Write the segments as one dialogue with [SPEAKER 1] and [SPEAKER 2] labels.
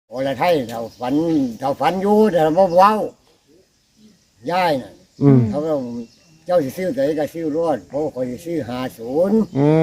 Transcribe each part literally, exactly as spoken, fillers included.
[SPEAKER 1] โอ้ละไทยเราฝันเราฝันอยู่แต่เราเว้าย่ายน่ะ
[SPEAKER 2] อืม
[SPEAKER 1] เขาก็เจ้าสิซื้อแต่ก็ซื้อรอดเพราะคอยสิซื้อห้าศูนย์
[SPEAKER 2] อืม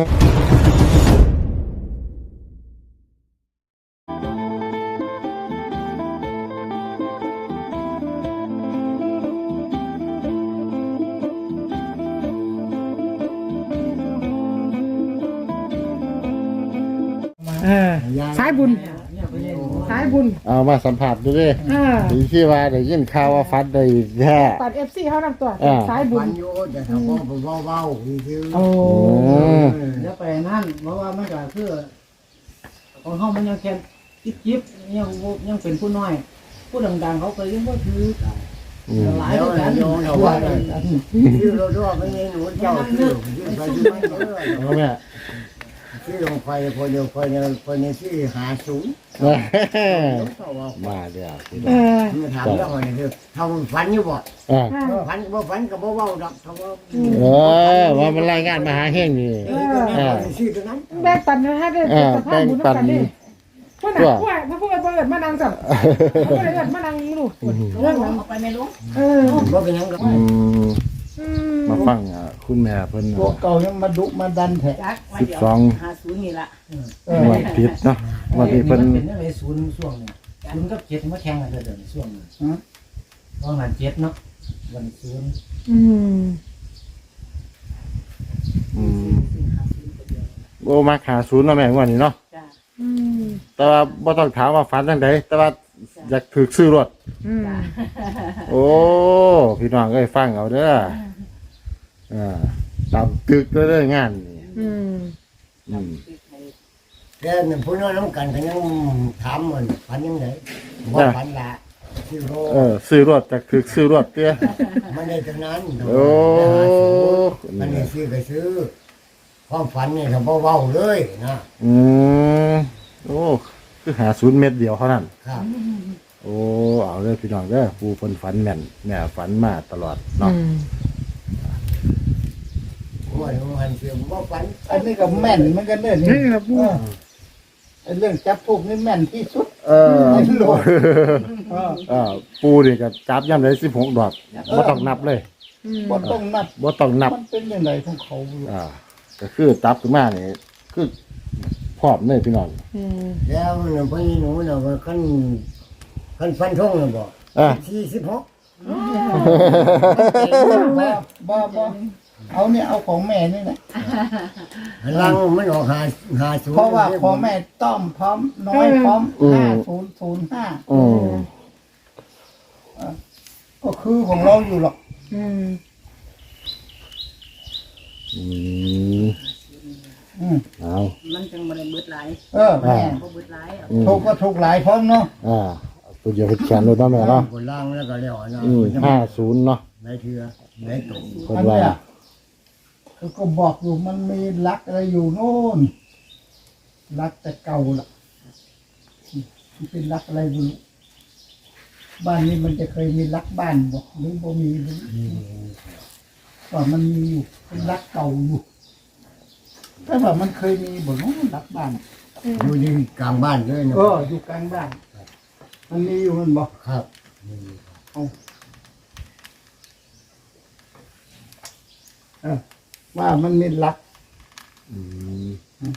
[SPEAKER 3] เออสายบุญสายบุญ
[SPEAKER 2] เอามาสัมผัสดูดิ
[SPEAKER 3] เออ
[SPEAKER 2] ดีที่ว่าได้ยินข่าวว่าฟัดได้แท้
[SPEAKER 3] ปัดเอฟซีเขานำตัว
[SPEAKER 2] อ่า
[SPEAKER 3] สายบุ
[SPEAKER 1] ฝั
[SPEAKER 3] ญ
[SPEAKER 1] นอยู่แต่เขาเว้าเว้าเว้าคือ
[SPEAKER 3] โอ้
[SPEAKER 4] เดี๋ยวไปนั่นเพราะว่ามันก็คือของเฮามันยังแค่จิ๊บๆยังบ่ยังเป็นผู้น้อย ผู้ดังๆเขาเคยยังบ่ถือ
[SPEAKER 2] อืม
[SPEAKER 4] หลาย
[SPEAKER 1] เดี๋ยว
[SPEAKER 4] ด้วยกัน
[SPEAKER 1] เดี๋ยวเราว่าซื้อรถด้วยไม่มีหนูเจ้าซื้อซื้อไปซื้อไปเด้อ
[SPEAKER 2] เอาแม่
[SPEAKER 1] ซื้อลงไปคนเดียวคนเดียวคนนี้ซื้อห้าศูนย์เขาว่า
[SPEAKER 2] มาเดี๋ยวพี่
[SPEAKER 3] เอ
[SPEAKER 2] น้อง
[SPEAKER 3] อ
[SPEAKER 1] มาถามเรื่องอะไรคือทำฝันอยู่บ่
[SPEAKER 2] อ่า
[SPEAKER 1] ฝันบ่ฝันก็บ่เว้าดอกเขาว่า
[SPEAKER 2] เออว่ามันรายงานมาหาเฮงนี่
[SPEAKER 1] เออก็นั่นซื้อตัวนั้น
[SPEAKER 3] แบ่งปันนะฮะได้
[SPEAKER 2] เออ
[SPEAKER 3] สภาพบุญ
[SPEAKER 2] แบ่งปัน
[SPEAKER 3] นำกันดิพวกน่ะพวกพวกพวกเปิดมานั่งจับพวกเปิดมานั่งนี่ลูกเรื่องนั้น
[SPEAKER 4] เอาไปไม่รู้
[SPEAKER 3] เออ
[SPEAKER 1] บ่เป็นหยังก็
[SPEAKER 2] อืม
[SPEAKER 3] อืม
[SPEAKER 2] มาฟังอ่ะคุณแม่เพิ่น
[SPEAKER 4] พวกเก่ายังมาดุมาดันแท้
[SPEAKER 5] จักว่า
[SPEAKER 2] สิบ
[SPEAKER 5] เดี๋ยว
[SPEAKER 2] สอง
[SPEAKER 5] หาศูนย์นี่ละ
[SPEAKER 4] เออ
[SPEAKER 2] งวดผิดเนาะงวันนี้เพิ่น
[SPEAKER 4] เป็นอะไรศูนย์ช่วงนี้ศูนย์กับเจ็ดมาแข่งกันเด้อช่วงนี้ฮะตอนนั้นเจ็ดเนาะวันศูนย์
[SPEAKER 3] อืม
[SPEAKER 2] อืมโอ้มาขาศูนย์เนาะแม่งวันนี้เนาะ
[SPEAKER 5] จ้า
[SPEAKER 3] อืม
[SPEAKER 2] แต่ว่าบ่ต้องถามว่าฝันจังไดแต่ว่าอยากถูกซื้อรถ
[SPEAKER 3] อืม
[SPEAKER 2] โอ้พี่น้องเอ้ยฟังเอาเด้ออ่าตามตึกเด้องานนี่
[SPEAKER 3] อืม
[SPEAKER 2] อืม
[SPEAKER 1] แต่นั่นผู้น้อยน้องกันก็ยังถามมันฝันยังไงบ่ฝันละซื้อโล
[SPEAKER 2] เออซื้อรถจากถูกซื้อรถเตี้ย
[SPEAKER 1] มันได้เท่านั้น
[SPEAKER 2] โอ้
[SPEAKER 1] มันได้ซื้อก็ซื้อความฝันนี่เขาบ่เว้าเลยนะ
[SPEAKER 2] อืมโอ้คือหาศูนย์เม็ดเดียวเท่านั้น
[SPEAKER 1] ครับ
[SPEAKER 2] โอ้เอาเลยพี่น้องเด้อปูเพิ่นฝันแม่นแม่ฝันมาตลอด
[SPEAKER 3] อื
[SPEAKER 2] เนาะ
[SPEAKER 3] ม
[SPEAKER 1] ว่ามันเสียบ่ฝัน
[SPEAKER 4] อันนี้ก็แม่นเหมือนกันเด้อนี่
[SPEAKER 3] นี่ครับ
[SPEAKER 4] เออไอ้เรื่องจับพวกนี่แม่นที่สุด
[SPEAKER 2] เออ
[SPEAKER 4] ไม่โหลด เออ
[SPEAKER 2] เออปูนี่ก็จับย่ำได้สิบหกดอกบ่ต้องนับเลย
[SPEAKER 3] อืม
[SPEAKER 4] บ่ต้องนับ
[SPEAKER 2] บ่ต้องนับ
[SPEAKER 4] มันเป็นยังไงของเขาบ่รู้
[SPEAKER 2] อ่าก็คือจับขึ้นมานี่คือพร้อมเลยพี่น้อง
[SPEAKER 3] อืม
[SPEAKER 1] แล้วนั่นพี่หนูน่ะว่าคันคันฟันทงน่ะบ่
[SPEAKER 2] อ่า
[SPEAKER 1] สี่สิบหก
[SPEAKER 4] บ่บ่บ่เอาเนี่ยเอาของแม่นี่แหละ
[SPEAKER 1] ลังมันออกหาหาศูนย์
[SPEAKER 4] เพราะว่าพ่อแม่ต้อมพร้อมน้อยพร้อมห้าศูนย์ศูนย์ห้า
[SPEAKER 2] อืม
[SPEAKER 4] ก็คือของเราอยู่หรอก
[SPEAKER 3] อืม
[SPEAKER 2] อืม
[SPEAKER 4] อืม
[SPEAKER 2] เอา
[SPEAKER 5] มันจังบ่ได้เบิดหลาย
[SPEAKER 4] เออแม่
[SPEAKER 5] บ่เบิดหลายเอา
[SPEAKER 2] อืม
[SPEAKER 4] ถูกก็ถูกหลายพร้อมเนาะ
[SPEAKER 2] อ่าเอาตัวเดียวเป็นแขนเลยเนาะแม่เนาะ
[SPEAKER 1] คนล่างแล้วก็แล้วเนาะ
[SPEAKER 2] อืมห้าศูนย์เนาะ
[SPEAKER 1] ไหนเถือไหนตก
[SPEAKER 2] เพิ่น
[SPEAKER 4] อัน
[SPEAKER 2] ว่า
[SPEAKER 4] เนี้ยคือก็บอกอยู่มันมีลักอะไรอยู่โน่นลักแต่เก่าล่ะมันเป็นลักอะไรไม่รู้บ้านนี้มันจะเคยมีลักบ้านบอกหรือบ่มีหรือว่ามันมีอยู่เป็นลักเก่าอยู่แต่ว่ามันเคยมีบ่เน้องลักบ้าน
[SPEAKER 1] อยู่ที่กลางบ้านเลยนะ
[SPEAKER 4] เอออยู่กลางบ้าน มันมีอยู่มันบอก
[SPEAKER 1] ครับ
[SPEAKER 4] เออว่ามันมีลัก
[SPEAKER 2] อืม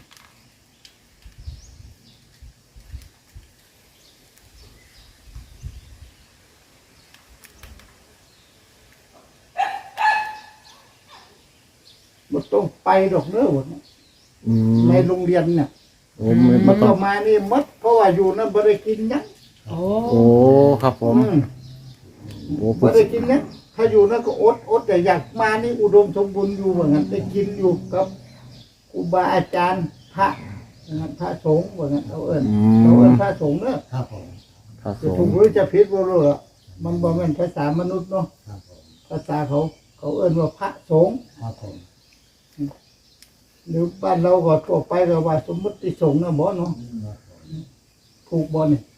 [SPEAKER 4] มันต้องไปดอกเด้อวันนี้
[SPEAKER 2] อืม
[SPEAKER 4] ในโรงเรียนเนี่ย
[SPEAKER 2] โอ้ไม่
[SPEAKER 4] มั
[SPEAKER 2] บ่
[SPEAKER 4] น
[SPEAKER 2] ต้อ
[SPEAKER 4] ก็
[SPEAKER 2] ง
[SPEAKER 4] มานี่หมดเพราะว่าอยู่นั่นบ่ได้กินหยัง
[SPEAKER 3] โอ้
[SPEAKER 2] โอ้ครับผม
[SPEAKER 4] อืม
[SPEAKER 2] โอ้
[SPEAKER 4] บ่ได้กินหยังถ้าอยู่นั่นก็อดอดแต่อยากมานี่อุดมสมบูรณ์อยู่ว่างั้นได้กินอยู่กับครูบาอาจารย์พระว่างั้นพระสงฆ์ว่างั้นเอาเอิ้น
[SPEAKER 2] อื
[SPEAKER 4] เอาเอิ้น
[SPEAKER 2] ม
[SPEAKER 4] พระสงฆ์เด้อ
[SPEAKER 1] ครับผม
[SPEAKER 2] ครับผ
[SPEAKER 4] จะถู
[SPEAKER 2] ม
[SPEAKER 4] กหรือจะผิดบ่รู้ล่ะมันบ่แม่นภาษามนุษย์เนาะ
[SPEAKER 1] ครับผม
[SPEAKER 4] ภาษาเขา เขาเอิ้นว่าพระสงฆ์
[SPEAKER 1] ครับผม
[SPEAKER 4] หรือบ้านเราก็ทั่วไปก็ว่าสมมุติสงฆ์นะบ่เนาะถูกบ่นี่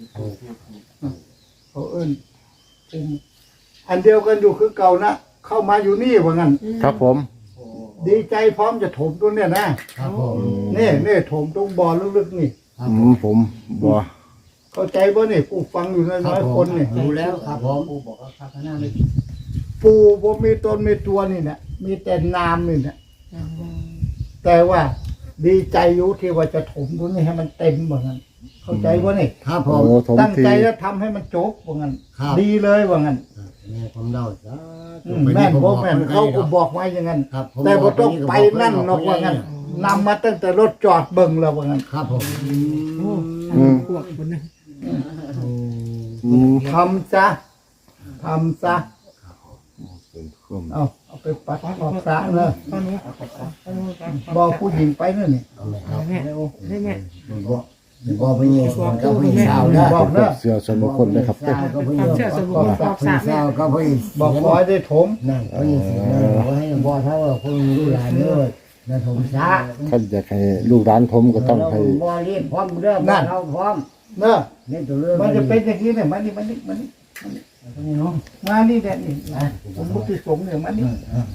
[SPEAKER 4] เขาเอิ้นเป็นอันเดียวกันอยู่คือเก่านะเข้ามาอยู่นี่ว่างั้น
[SPEAKER 2] ครับผม
[SPEAKER 4] ดีใจพร้อมจะถมตัวเนี่ยนะครับ
[SPEAKER 1] ผม
[SPEAKER 4] นี่นี่ถมตรงบ่อลึกๆนี่
[SPEAKER 1] ครับ
[SPEAKER 2] อื
[SPEAKER 1] ผม
[SPEAKER 2] มผมบ่
[SPEAKER 4] เข้าใจบ่นี่ผู้ฟังอยู่น้อยๆคนนี่
[SPEAKER 1] รู้แล้วครับผม
[SPEAKER 5] ปูบอกว่าข้างหน้าเลย
[SPEAKER 4] ปู่บ่มีตนมีตัวนี่นะมีแต่นามนี่นะแต่ว่าดีใจอยู่ที่ว่าจะถมตรงนี้ให้มันเต็มเหมือนกันเข้าใจบ่นี่
[SPEAKER 1] ครับผ
[SPEAKER 2] โอ้
[SPEAKER 1] ม
[SPEAKER 2] ถม
[SPEAKER 4] ตั้ง
[SPEAKER 2] ที
[SPEAKER 4] ใจแล้วทำให้มันจบว่างั้น
[SPEAKER 1] ครับ
[SPEAKER 4] ดีเลยว่างั้น
[SPEAKER 1] แม่ผมเล่าซะ
[SPEAKER 4] อืมแม่นบ่แม่นเขาก็บอกไว้อย่างนั้น
[SPEAKER 1] ครับผม
[SPEAKER 4] แต่บ่ต้องไป
[SPEAKER 1] บอก
[SPEAKER 4] นั่นหรอกว่างั้นนำมาตั้งแต่รถจอดเบิ่งแล้วว่างั้น
[SPEAKER 1] ครับผม
[SPEAKER 3] โอ้พวกคนนึง
[SPEAKER 2] อืม
[SPEAKER 4] ทำซะทำซะ
[SPEAKER 2] เป็นความ
[SPEAKER 4] เอาเอาไปปัดออกซะเนอะ
[SPEAKER 3] ตอนนู้นตอนนู้น
[SPEAKER 4] บอกผู้หญิงไปนั่นนี่
[SPEAKER 1] เอาไหมค
[SPEAKER 3] เอา
[SPEAKER 1] รับ
[SPEAKER 3] แม่ได้แม่
[SPEAKER 1] บอกบอกไปยิงสวนก็ผู้หญิงสาวนะ
[SPEAKER 4] บอกเนอะ
[SPEAKER 2] เสื้อส่วนบุคคลเลยครับ
[SPEAKER 1] สาวก็ผู้หญิงสาวก็ผู้หญิง
[SPEAKER 4] บอกขอให้ได้ถม
[SPEAKER 1] นั่นผู้หญิงสิบอกให้บอกเท่าว่าคนรู้หลานเด้อนั่นผมซะ
[SPEAKER 2] ท่านอยากให้ลูกร้านผมก็ต้องให้
[SPEAKER 1] บ่รีบพร้อมเด้อบ่เราพร้อม
[SPEAKER 4] เนอะ
[SPEAKER 1] นี่ตัวเรื่อง
[SPEAKER 4] มันจะเป็นอย่างนี้เนี่ยมานี่มานี่มานี่
[SPEAKER 1] นี่เนาะ
[SPEAKER 4] มานี่แหละนี่ผมมุติสงฆ์เนี่ยมานี่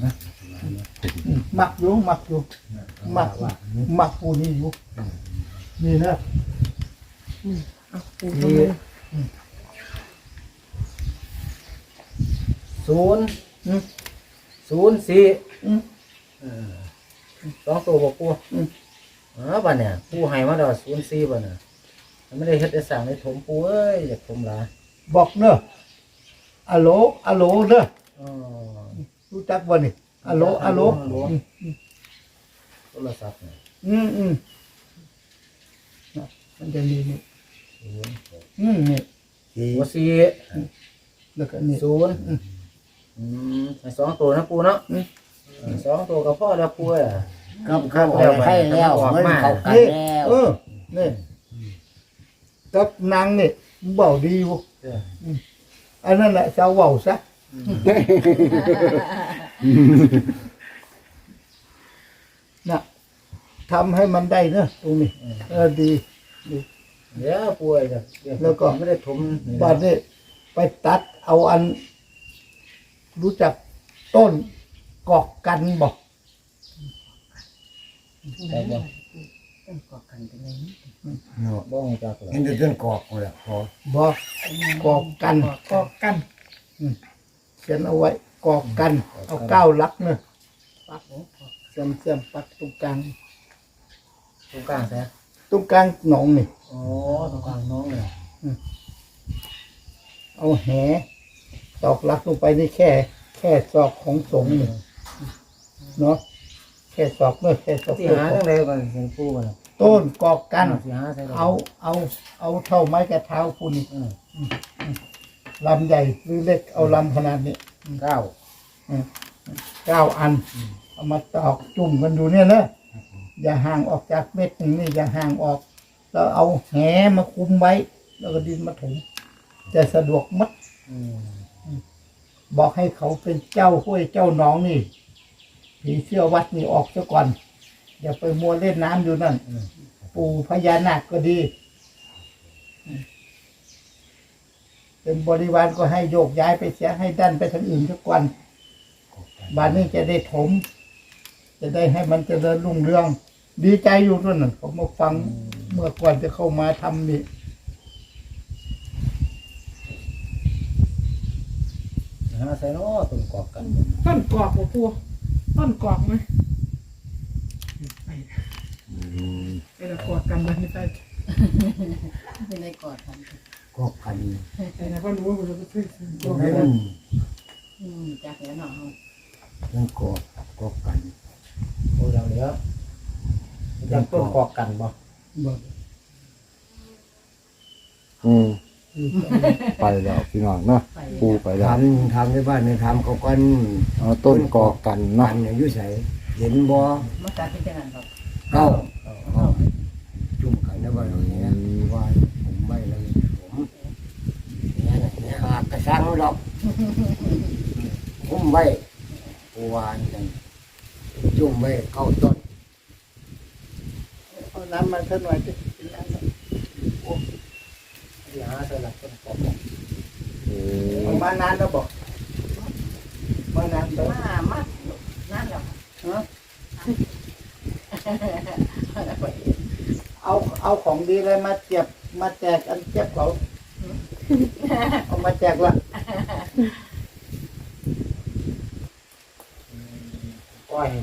[SPEAKER 4] หมักอยู่หมักอยู่หมักหมักผู้นี้อยู่นี่นะ
[SPEAKER 3] เอาปูตรงนี้
[SPEAKER 6] ศูนย์
[SPEAKER 4] อืม
[SPEAKER 6] ศูนย์สี่
[SPEAKER 4] อืม
[SPEAKER 6] สองตัวบอกกู
[SPEAKER 4] อืม
[SPEAKER 6] อ๋อบ้านเนี่ยปูให้มาดอกศูนย์สี่บ้านเนี่ยมันไม่ได้เฮ็ดได้สั่งได้ถมปูเอ้ยอยากถมหลาย
[SPEAKER 4] บอกเนอะอะโหลอะโหลเนอะ
[SPEAKER 6] อ๋อ
[SPEAKER 4] รู้จักบ่นี่อะโหลอะโหลอืม
[SPEAKER 6] โทรศัพท์เนี่ย
[SPEAKER 4] อืมอืมน่ะมันจะมีนี่
[SPEAKER 6] ศูนย์
[SPEAKER 4] อืมนี่
[SPEAKER 6] หัวสี่
[SPEAKER 4] แล้วก็นี่
[SPEAKER 6] ศูนย์อืมให้สองตัวนะปูเนาะ
[SPEAKER 4] อืม
[SPEAKER 6] เออสองตัวกับพ่อแล้วปูอ่ะ
[SPEAKER 1] กับข้าวให้แล้วเงินเข้ากัน
[SPEAKER 4] นี่
[SPEAKER 1] แล้ว
[SPEAKER 4] เออนี่กับนางนี่เบาดีอยู่
[SPEAKER 6] เออ
[SPEAKER 4] อันนั้นแหละเจ้าเบาซะน่ะทำให้มันได้เนอะตรงนี้เออดี
[SPEAKER 6] เดี๋ยวปูไอ้เดี๋ยวเดี๋ยว
[SPEAKER 4] แล้วก็
[SPEAKER 6] ไม่ได้ถมนี่นะ
[SPEAKER 4] บัดนี้ไปตัดเอาอัน รู้จักต้นกอกกันบอก
[SPEAKER 6] แต่บ่
[SPEAKER 5] ต้องกอดกันเป็นไง
[SPEAKER 1] เนาะ
[SPEAKER 6] บ่รู้จักเลย
[SPEAKER 1] เห็นแต่ต้นกอกนั่นแหละพอ
[SPEAKER 4] บอกกอกกัน
[SPEAKER 3] กอกกัน
[SPEAKER 4] เขียนเอาไว้ กอกกัน เอาเก้าลักเนอะ
[SPEAKER 5] ปักโอ้กอด
[SPEAKER 4] เสียมเสียมปักตรงกลาง
[SPEAKER 6] ตรงกลางแท้
[SPEAKER 4] ตรงกลางหนองนี่
[SPEAKER 6] อ๋อตรงกลางน้องเลย
[SPEAKER 4] เอาแหตอกลักลงไปนี่แค่ แค่ศอกของสงฆ์นี่เนาะแค่ศอกเนอะแค่ศอก
[SPEAKER 6] ที่หาจังได๋บ่เห็นปูบ่ล่ะ
[SPEAKER 4] ต้นกอกกัน
[SPEAKER 6] สิหาใส่ได้
[SPEAKER 4] เอา เอา เอาเท่าไม้กระเท้าคุณนี่
[SPEAKER 6] อืม
[SPEAKER 4] ลำใหญ่หรือเล็กเอาลำขนาดนี้
[SPEAKER 6] เก้า
[SPEAKER 4] เก้าอัน เอามาตอกจุ่มกันดูเนี่ยนะอย่าห่างออกจากเม็ดหนึ่งนี่อย่าห่างออก แล้วเอาแหมาคุมไว้ แล้วก็ดินมาถมจะสะดวกมัด
[SPEAKER 6] อืม
[SPEAKER 4] บอกให้เขาเป็นเจ้าห้วยเจ้าหนองนี่ผีเสื้อวัดนี่ออกซะก่อน อย่าไปมัวเล่นน้ำอยู่นั่น ปู่พญานาคก็ดี เป็นบริวารก็ให้โยกย้ายไปเสียให้ดันไปทางอื่นทุกวันบ้านนี้จะได้ถม จะได้ให้มันเจริญรุ่งเรือง ดีใจอยู่ด้วยนั่นผมมาฟังเมื่อก่อนจะเข้ามาทำนี่
[SPEAKER 6] หาใส่เนาะต้นกอกกัน
[SPEAKER 3] ต้นกอกบ่ปูต้นกอกไหมไปไปละกอดกันมันไม่ได้
[SPEAKER 5] เป็นไงกอดกัน
[SPEAKER 1] กอกกัน
[SPEAKER 3] ไปนะก็รู้ว่าเราจะซื้อก
[SPEAKER 1] ให้มัน
[SPEAKER 5] อืมจากแล้วเนาะ
[SPEAKER 1] ต้นกอกกอกกัน
[SPEAKER 6] โอ้ดังเหลือจักต้นกอกกันบ่
[SPEAKER 4] บอก
[SPEAKER 2] อืมไปแล้วพี่น้องเนาะปูไปแล้ว
[SPEAKER 1] ทำทำในบ้านในทำเขากัน
[SPEAKER 2] เอาต้นกอกกัน
[SPEAKER 1] กั
[SPEAKER 2] เนาะ
[SPEAKER 1] นเนี่ยอยู่ใส่เห็นบ่
[SPEAKER 5] มาตัดที่จังนั้นครับ
[SPEAKER 1] เก้าจุ่มกันในบ้านเราเนี่ยว่าผมไม่เลยผมเนี่ยนะเนี่ยหากระชังดอกผมไว้วานกันจุ่มไว้เก้าต้น
[SPEAKER 4] เอาน้ำมาเท่าหน่อยสิ
[SPEAKER 6] ที่หาใส่หลักต้นกอก
[SPEAKER 2] เออ
[SPEAKER 4] เอามานานแล้วบอกมานานแล้ว
[SPEAKER 5] มามานั่นแหละ
[SPEAKER 4] ฮะเอาเอาของดีเลยมาเจียบมาแจกอันเจ็บเขาเอามาแจกละ
[SPEAKER 6] ก้อย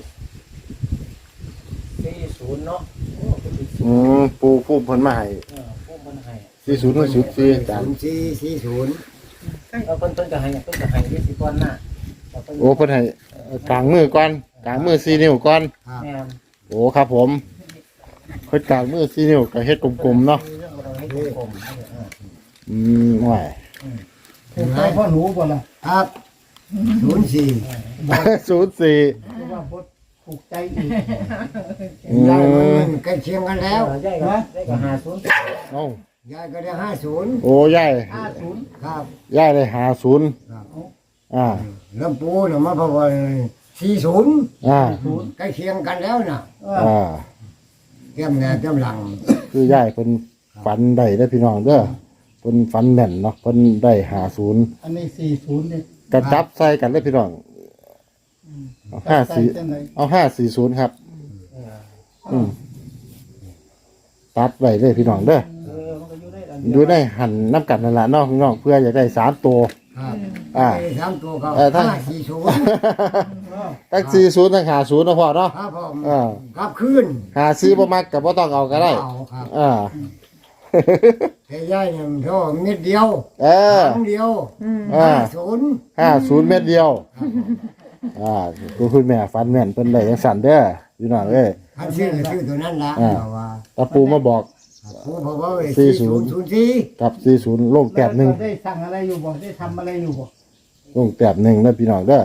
[SPEAKER 6] สี่ศูนย์เนาะโอ้เป็นสี่ศู
[SPEAKER 2] อื
[SPEAKER 6] นย์
[SPEAKER 2] มปูผู้เพิ่นมาให้
[SPEAKER 6] เออพวกมันให้
[SPEAKER 2] สี่ศูนย์กับศูนย์สี่อาจาร
[SPEAKER 1] ศู
[SPEAKER 2] ย์
[SPEAKER 1] นย์สี่สี่ศูนย์
[SPEAKER 6] เอาเพิ่นเพิ่นก็ให้เพิ่นก็ให้ที่สิก้อนหน้าเอาเพิ่น
[SPEAKER 2] โอ้เพิ่นให้กลางมือก่อนกลางมือสี่นิ้วก่อน
[SPEAKER 1] ครับ
[SPEAKER 6] แม่น
[SPEAKER 2] โอ้ครับผมเพิ่นกลางมือสี่นิ้วก็เฮ็ดกลมๆเนาะ
[SPEAKER 6] เรื่องเราให้กลมๆเออ
[SPEAKER 2] อืมว่า
[SPEAKER 4] ถูกใจพ่อหนูบ่ล่ะ
[SPEAKER 1] ครับศูนย์สี่
[SPEAKER 2] ศูนย์สี่
[SPEAKER 4] เพราะว่าบ่ถูกใจอีก
[SPEAKER 2] อื
[SPEAKER 1] ยายมัน
[SPEAKER 2] ม
[SPEAKER 1] มันใกล้เคียงกันแล้ว
[SPEAKER 6] เออได้ก็ได้ก็หาศูนย์
[SPEAKER 2] เอ้าย
[SPEAKER 1] ายก็ได้ห้าศูนย์
[SPEAKER 2] โอ้ยาย
[SPEAKER 4] ห้าศูนย์
[SPEAKER 1] ครับ
[SPEAKER 2] ยายได้หาศูนย์
[SPEAKER 1] ครับ
[SPEAKER 2] อ่า
[SPEAKER 1] เริ่มปูเนี่ยมาเพราะว่าสี่ศูนย์
[SPEAKER 2] อ่า
[SPEAKER 1] ใกล้เคียงกันแล้วน่ะ
[SPEAKER 4] เออ
[SPEAKER 2] อ่า
[SPEAKER 1] เตรียมแนวเตรียมหลัง
[SPEAKER 2] คือยายเพิ่นฝันได้เด้อพี่น้องเด้อเพิ่นฝันแม่นเนาะเพิ่นได้หาศูนย์
[SPEAKER 4] อันนี้สี่ศูนย์เนี่ย
[SPEAKER 2] กระจับใส่กันเลยพี่น้องเอาห้าสี่
[SPEAKER 4] จังไหน
[SPEAKER 2] เอาห้าสี่ศูนย์ครับ อืมตัดไว้เลยพี่น้องเด้อ
[SPEAKER 6] เออมันก็อยู่ได้อัน
[SPEAKER 2] ดูได้หันน้ำกัดนั่นแหละเนาะพี่น้องเพื่ออยากได้สามตัว
[SPEAKER 1] ครับ
[SPEAKER 2] อ่า
[SPEAKER 1] ไอ้สามตัวเขา
[SPEAKER 2] เออถ้า
[SPEAKER 1] ห้าสี่ศูนย์
[SPEAKER 2] ตั้งสี่ศูนย์ตั้งหาศูนย์นะพ่อเนาะ
[SPEAKER 1] ครับผม
[SPEAKER 2] อ่า
[SPEAKER 1] กลับคืน
[SPEAKER 2] หาซื้อบ่มักกับบ่ต้องเอาก็ได้
[SPEAKER 1] เอาครับ
[SPEAKER 2] อ่า
[SPEAKER 1] แต่ยายเนี่ยมันโทษเม็ดเดียว
[SPEAKER 2] เออ
[SPEAKER 1] ครั้งเดียว
[SPEAKER 2] อ่า
[SPEAKER 1] ห้าศูนย์
[SPEAKER 2] ห้าศูนย์เม็ดเดียว อ่าคุณคุณแม่ฟันแม่นเพิ่นได้จังสั่นเด้อพี่น้องเอ้ย
[SPEAKER 1] พันชื่อก็ชื่อตัวนั้นละ
[SPEAKER 2] อ่า
[SPEAKER 1] เพราะว่า
[SPEAKER 2] ตาปูมาบอก
[SPEAKER 1] ผู้เพราะว่า
[SPEAKER 2] สี่
[SPEAKER 1] สี่
[SPEAKER 2] ศู
[SPEAKER 1] ศู
[SPEAKER 2] น
[SPEAKER 1] น
[SPEAKER 2] ย์
[SPEAKER 1] ย์ศูนย์สี่
[SPEAKER 2] กับสี่ศูนย์ลงแต้มหนึ่ง
[SPEAKER 4] ได้สั่งอะไรอยู่บ่ได้ทำอะไรอยู่บ่
[SPEAKER 2] ลงแต้มหนึ่งนะพี่น้องเด้อ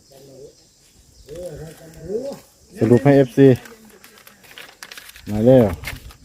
[SPEAKER 2] สรุปให้ เอฟ ซี มาเร็ว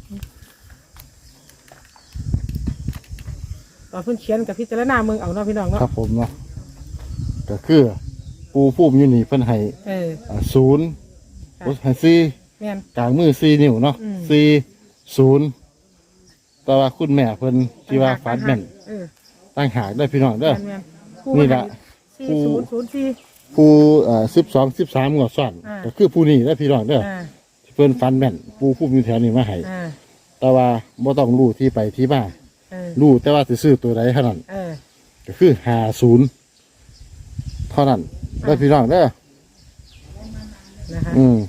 [SPEAKER 3] ตอนเพิ่นเขียนกับพิจารณาเมืองเอาเนาะพี่น้องเนาะ
[SPEAKER 2] ครับผมเนาะก็คือปูพุ่มอยู่นี่เพิ่นให้
[SPEAKER 3] เออ
[SPEAKER 2] อ่าศูนย์
[SPEAKER 3] ค่ะ
[SPEAKER 2] โอ้ให้สี่
[SPEAKER 3] แม่น
[SPEAKER 2] กลางมือสี่นิ้วเนาะ
[SPEAKER 3] อืม
[SPEAKER 2] สี่ศูนย์แต่ว่าคุณแม่เพิ่นที่ว่าฟันแม่น
[SPEAKER 3] เออ
[SPEAKER 2] ตั้งหากได้พี่น้องเด้อ
[SPEAKER 3] แม่นๆผู้
[SPEAKER 2] นี่ล่ะ
[SPEAKER 3] สี่ศูนย์ศูนย์สี่
[SPEAKER 2] ผู้เอ่อสิบสองสิบสามงวดซ้อน
[SPEAKER 3] อ่า
[SPEAKER 2] ก็คือผู้นี้ได้อพี่น้องเด้อ
[SPEAKER 3] อ่า
[SPEAKER 2] เพิ่นฟันแม่นปูพุ่มอยู่แถวนี้มาให้
[SPEAKER 3] อ่า
[SPEAKER 2] แต่ว่าบ่ต้องรู้ที่ไปที่มา
[SPEAKER 3] เออ
[SPEAKER 2] รู้แต่ว่าสิซื้อตัวใดเท่านั้น
[SPEAKER 3] เออ
[SPEAKER 2] ก็คือห้าศูนย์เท่านั้นได้อพี่น้องเด้อ
[SPEAKER 3] นะคะ
[SPEAKER 2] อืม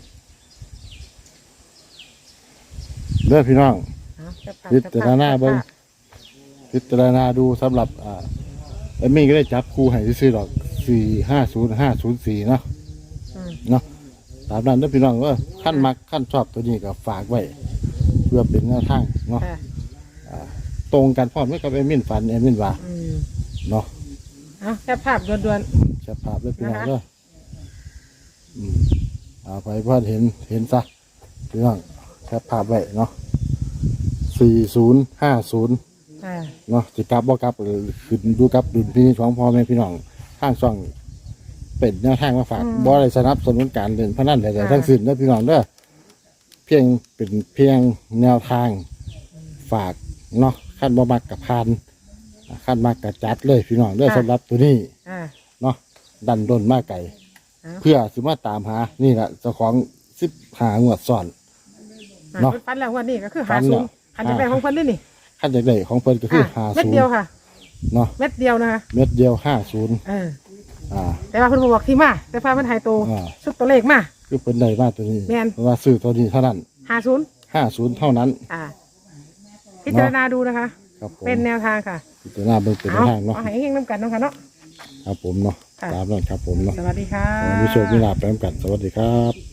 [SPEAKER 2] เด้อพี่น้อง
[SPEAKER 3] เอาแคปภพ
[SPEAKER 2] พิจารณาเบิ่ง พิจารณาดูสำหรับอ่าเอมมี่ก็ได้จับคู่ให้ซื้อๆดอกสี่ห้าศูนย์ห้าศูนย์สี่เนาะ
[SPEAKER 3] อืม
[SPEAKER 2] เนาะตามนั้นเด้อพี่น้องว่าขั้นมักขั้นชอบตัวนี้ก็ฝากไว้ เพื่อเป็นแนวทางเนาะ
[SPEAKER 3] ค่ะ
[SPEAKER 2] ตรงกันพร้อมกับเอมินฝันเอมินว่า
[SPEAKER 3] อืม
[SPEAKER 2] เนาะ
[SPEAKER 3] เอาแคปภาพด่วน
[SPEAKER 2] แชร์ภาพเลยพี่น้อง
[SPEAKER 3] นะคะ
[SPEAKER 2] เด้ออืมเอาไปเพื่อนเห็นเห็นซะพี่น้องแชร์ภาพไว้เนาะสี่ศูนย์ห้าศูนย์
[SPEAKER 3] ๆอ่า
[SPEAKER 2] เนาะสิกลับบ่กลับหรือขึ้นดูกับดุลพินิจของพ่อแม่พี่น้องทางช่องเป็นแนวทางมาฝากบ่ได้สนับสนุนการเล่นพนันใดๆทั้งสิ้นเด้อพี่น้องเด้อเพียงเป็นเพียงแนวทางฝากเนาะขั้นบ่มักกับพานขั้นมักกับจัดเลยพี่น้องเด้อสำหรับตัวนี้
[SPEAKER 3] อ่า
[SPEAKER 2] เนาะดันดนมากไก่
[SPEAKER 3] เอา
[SPEAKER 2] เพื่อสิมาตามหานี่แหละเจ้าของสิบหางวดซ้อน เนาะ
[SPEAKER 3] อ่ฟันแล้ววันนี้ก็คือ
[SPEAKER 2] ฟั
[SPEAKER 3] หาน ศู
[SPEAKER 2] แล้ว
[SPEAKER 3] นย์ขันจะไปของเพิ่นนี่นี่
[SPEAKER 2] ขั้นจากได้ของเพิ่นก็คือหา
[SPEAKER 3] เม็ด
[SPEAKER 2] ศูน
[SPEAKER 3] เดียว
[SPEAKER 2] ย์
[SPEAKER 3] ค่ะ
[SPEAKER 2] เนาะ
[SPEAKER 3] เม็ดเดียวนะคะ
[SPEAKER 2] เม็ดเดียวห้าศูนย์
[SPEAKER 3] เออ
[SPEAKER 2] อ่า
[SPEAKER 3] แต่ว่าเพิ่นบ่บอกที่มาแต่พาเพิ่นให้โต
[SPEAKER 2] อ่า
[SPEAKER 3] ชุดตัวเลขมา
[SPEAKER 2] คือเพิ่นได้มาตัวนี้
[SPEAKER 3] แม่น
[SPEAKER 2] เพราะว่าซื้อตัวนี้เท่านั้น
[SPEAKER 3] ห้าศูนย์
[SPEAKER 2] ห้าศูนย์เท่านั้น
[SPEAKER 3] อ่า พิจารณาดูนะคะ
[SPEAKER 2] ครับผม
[SPEAKER 3] เป็นแนวทางค่ะ
[SPEAKER 2] พิจารณาเบิ่งเป็นแน
[SPEAKER 3] เอา
[SPEAKER 2] วทางเนาะ
[SPEAKER 3] เอาให้เฮงๆน้ำกันเนาะค่ะเนาะ
[SPEAKER 2] ครับผมเนาะ
[SPEAKER 3] ค่ะ
[SPEAKER 2] ตามนั้นครับผมเนาะ
[SPEAKER 3] สวัสดีค่ะ
[SPEAKER 2] มีโชคมีลาภไปนำกันสวัสดีครับ